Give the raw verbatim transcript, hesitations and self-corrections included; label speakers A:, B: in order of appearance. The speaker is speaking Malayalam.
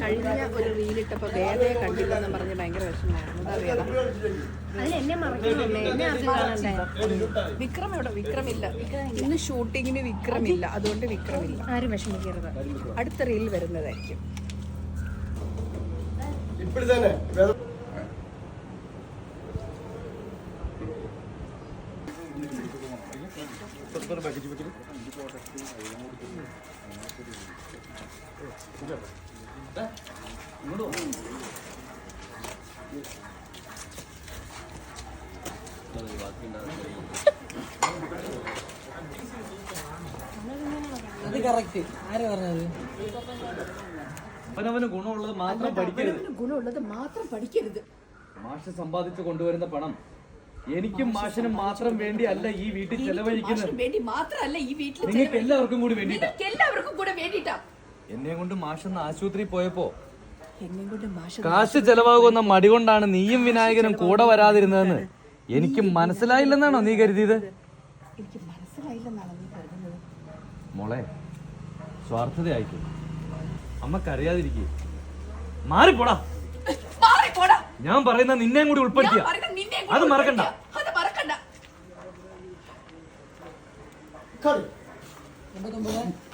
A: കഴിഞ്ഞ ഒരു റീലിട്ടപ്പോൾ വേദയെ കണ്ടില്ലെന്ന് പറഞ്ഞ് ഭയങ്കര വിഷമമായിരുന്നു. എന്താ വേദ?
B: അതിലെന്നെ മറക്കണമല്ലേ, എന്നെ ആദ്യം കാണണ്ടേ?
A: വിക്രം എവിടെ? വിക്രമില്ല. ഇന്ന് ഷൂട്ടിങ്ങിന് വിക്രമില്ല, അതുകൊണ്ട് വിക്രമില്ല.
B: ആരും വിഷമിക്കരുത്,
A: അടുത്ത റീൽ വരുന്നതായിരിക്കും.
C: അത് കറക്റ്റ്. ആരാ പറഞ്ഞത്?
D: അവനവന് ഗുണമുള്ളത് മാത്രം പഠിക്കരുത്.
A: ഗുണമുള്ളത് മാത്രം പഠിക്കരുത്.
D: മാഷ് സമ്പാദിച്ചു കൊണ്ടുവരുന്ന പണം എനിക്കും മാഷിനും മാത്രം വേണ്ടി അല്ല ഈ വീട്ടിൽ ചെലവഴിക്കുന്നത്.
A: വേണ്ടി മാത്രമല്ല ഈ വീട്ടിൽ
D: നിങ്ങൾക്ക് എല്ലാവർക്കും കൂടി വേണ്ടിട്ടാ.
A: എല്ലാവർക്കും കൂടെ വേണ്ടിട്ടാ.
D: എന്നെ കൊണ്ട് മാഷൊന്ന് ആശുപത്രി പോയപ്പോ
A: എന്നെ കൊണ്ട് മാഷ്
D: കാശ് ചെലവാകുന്ന മടി കൊണ്ടാണ് നീയും വിനായകനും കൂടെ വരാതിരുന്നതെന്ന് എനിക്ക് മനസ്സിലായില്ലെന്നാണോ നീ കരുതിയത്?
A: എനിക്ക് മനസ്സിലായില്ലെന്നാണോ നീ കരുതുന്നത്?
D: മോളെ, സ്വാർത്ഥതയായിക്കും അമ്മക്കറിയാതിരിക്കേ. മാറിപ്പോടാ. ഞാൻ പറയുന്ന നിന്നെയും കൂടി ഉൾപ്പെടുത്തിയ അത് മറക്കണ്ട.
A: അത് മറക്കണ്ട.
C: എൺപത്തൊമ്പത്